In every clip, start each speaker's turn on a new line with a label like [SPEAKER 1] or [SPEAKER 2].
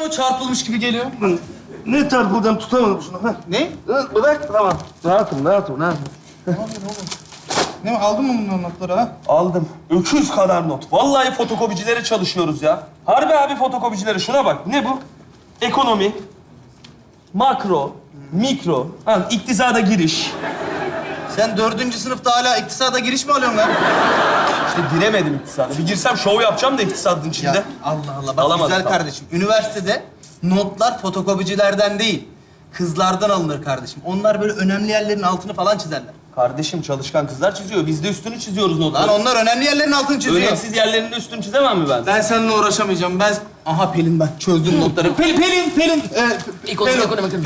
[SPEAKER 1] mı çarpılmış gibi geliyor?
[SPEAKER 2] Ne çarpılacağım, tutamadım şunu. Heh.
[SPEAKER 1] Ne?
[SPEAKER 2] Bırak, tamam. Rahatım.
[SPEAKER 1] Ne aldın mı bunların notları ha?
[SPEAKER 2] Aldım. Öküz kadar not. Vallahi fotokopicilere çalışıyoruz ya. Harbi abi fotokopicilere. Şuna bak. Ne bu? Ekonomi, makro, mikro, iktisada giriş.
[SPEAKER 1] Sen 4. sınıfta hala iktisada giriş mi alıyorsun lan?
[SPEAKER 2] İşte giremedim iktisada. Bir girsem şov yapacağım da iktisadın içinde.
[SPEAKER 1] Ya Allah Allah. Bak
[SPEAKER 2] Alamadım,
[SPEAKER 1] güzel
[SPEAKER 2] tamam.
[SPEAKER 1] kardeşim. Üniversitede notlar fotokopicilerden değil, kızlardan alınır kardeşim. Onlar böyle önemli yerlerin altını falan çizerler.
[SPEAKER 2] Kardeşim çalışkan kızlar çiziyor. Biz de üstünü çiziyoruz
[SPEAKER 1] Lan
[SPEAKER 2] notları.
[SPEAKER 1] onlar önemli yerlerin altını çiziyor.
[SPEAKER 2] Önemsiz yerlerinde üstünü çizemem mi ben?
[SPEAKER 1] Ben seninle uğraşamayacağım. Aha Pelin ben çözdüm notları. Pelin.
[SPEAKER 3] Ekonomi.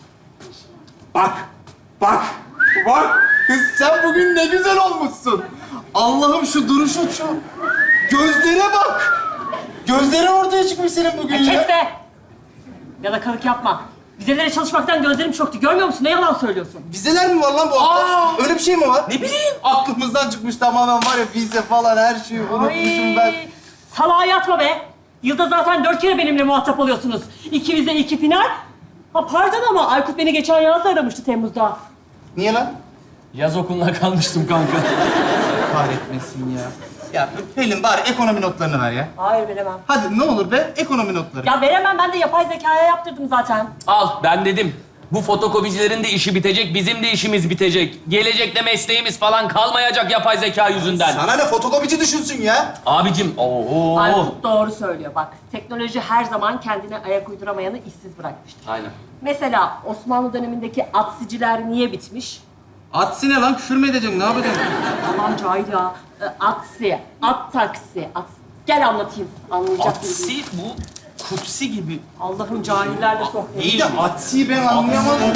[SPEAKER 1] Bak. Kız sen bugün ne güzel olmuşsun. Allah'ım şu duruşun şu. Gözlere bak. Gözlerin ortaya çıkmış senin bugün ya.
[SPEAKER 3] Kes be! Yalakalık yapma. Vizelere çalışmaktan gözlerim çöktü. Görmüyor musun? Ne yalan söylüyorsun?
[SPEAKER 1] Vizeler mi var lan bu hafta? Öyle bir şey mi var?
[SPEAKER 3] Ne bileyim.
[SPEAKER 1] Aklımızdan çıkmış tamamen var ya vize falan her şeyi unutmuşum ben.
[SPEAKER 3] Salağa yatma be. Yılda zaten 4 kere benimle muhatap oluyorsunuz. 2 vize, 2 final. Ha pardon ama Aykut beni geçen yaz da aramıştı Temmuz'da.
[SPEAKER 1] Niye lan?
[SPEAKER 4] Yaz okuluna kalmıştım kanka.
[SPEAKER 1] Kahretmesin ya. Ya Pelin bari ekonomi notlarını ver ya.
[SPEAKER 3] Hayır veremem.
[SPEAKER 1] Hadi ne olur be ekonomi notları.
[SPEAKER 3] Ya veremem, ben de yapay zekaya yaptırdım zaten.
[SPEAKER 4] Al, ben dedim. Bu fotokopicilerin de işi bitecek, bizim de işimiz bitecek. Gelecekte mesleğimiz falan kalmayacak yapay zeka yüzünden.
[SPEAKER 1] Sana ne fotokopici düşünsün ya?
[SPEAKER 4] Abicim, ooo.
[SPEAKER 3] Aykut doğru söylüyor bak. Teknoloji her zaman kendine ayak uyduramayanı işsiz bırakmıştır.
[SPEAKER 4] Aynen.
[SPEAKER 3] Mesela Osmanlı dönemindeki atsiciler niye bitmiş?
[SPEAKER 1] Atsi ne lan? Küfür mü edeceksin? Ne yapacaksın?
[SPEAKER 3] Tamam cahil ya. Atsi, at taksi, at... Gel anlatayım. Anlayacak mısın?
[SPEAKER 2] Atsi bu kutsi gibi.
[SPEAKER 3] Allah'ım cahillerle sohbet.
[SPEAKER 1] İyi de Atsi'yi ben anlayamadım.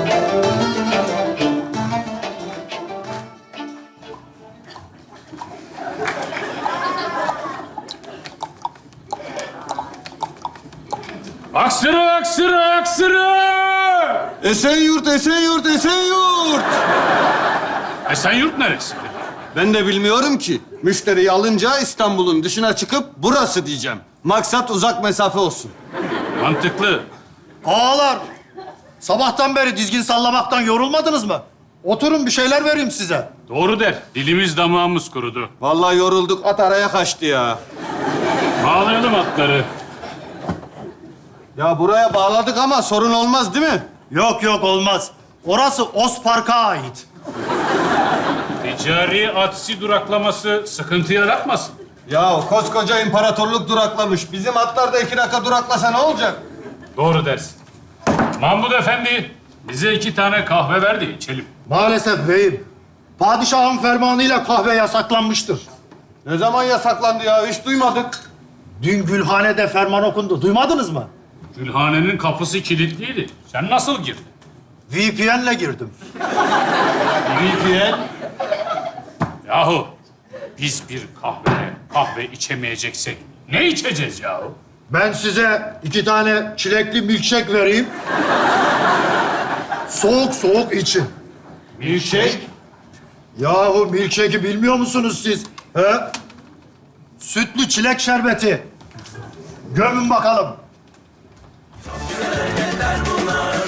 [SPEAKER 5] Aksırı!
[SPEAKER 6] Esenyurt.
[SPEAKER 5] Esenyurt neresi?
[SPEAKER 6] Ben de bilmiyorum ki. Müşteriyi alınca İstanbul'un dışına çıkıp burası diyeceğim. Maksat uzak mesafe olsun.
[SPEAKER 5] Mantıklı.
[SPEAKER 7] Ağalar, sabahtan beri dizgin sallamaktan yorulmadınız mı? Oturun bir şeyler vereyim size.
[SPEAKER 5] Doğru der. Dilimiz damağımız kurudu.
[SPEAKER 6] Vallahi yorulduk. At araya kaçtı ya.
[SPEAKER 5] Bağlayalım atları.
[SPEAKER 6] Ya buraya bağladık ama sorun olmaz değil mi?
[SPEAKER 7] Yok olmaz. Orası Ospark'a ait.
[SPEAKER 5] Ticari atsi duraklaması sıkıntı yaratmasın.
[SPEAKER 6] Ya koskoca imparatorluk duraklamış. Bizim atlar da 2 dakika duraklasa ne olacak?
[SPEAKER 5] Doğru dersin. Mahmud Efendi, bize 2 tane kahve ver de içelim.
[SPEAKER 7] Maalesef beyim. Padişahın fermanıyla kahve yasaklanmıştır.
[SPEAKER 6] Ne zaman yasaklandı ya? Hiç duymadık.
[SPEAKER 7] Dün Gülhane'de ferman okundu. Duymadınız mı?
[SPEAKER 5] Gülhanenin kapısı kilitliydi. Sen nasıl girdin?
[SPEAKER 7] VPN'le girdim.
[SPEAKER 6] VPN.
[SPEAKER 5] Yahu biz bir kahve içemeyeceksek ne içeceğiz yahu?
[SPEAKER 7] Ben size 2 tane çilekli milkshake vereyim. Soğuk için.
[SPEAKER 5] Milkshake.
[SPEAKER 7] Yahu milkshake'i bilmiyor musunuz siz? He? Sütlü çilek şerbeti. Gömün bakalım.
[SPEAKER 8] Güzel hareketler bunlar.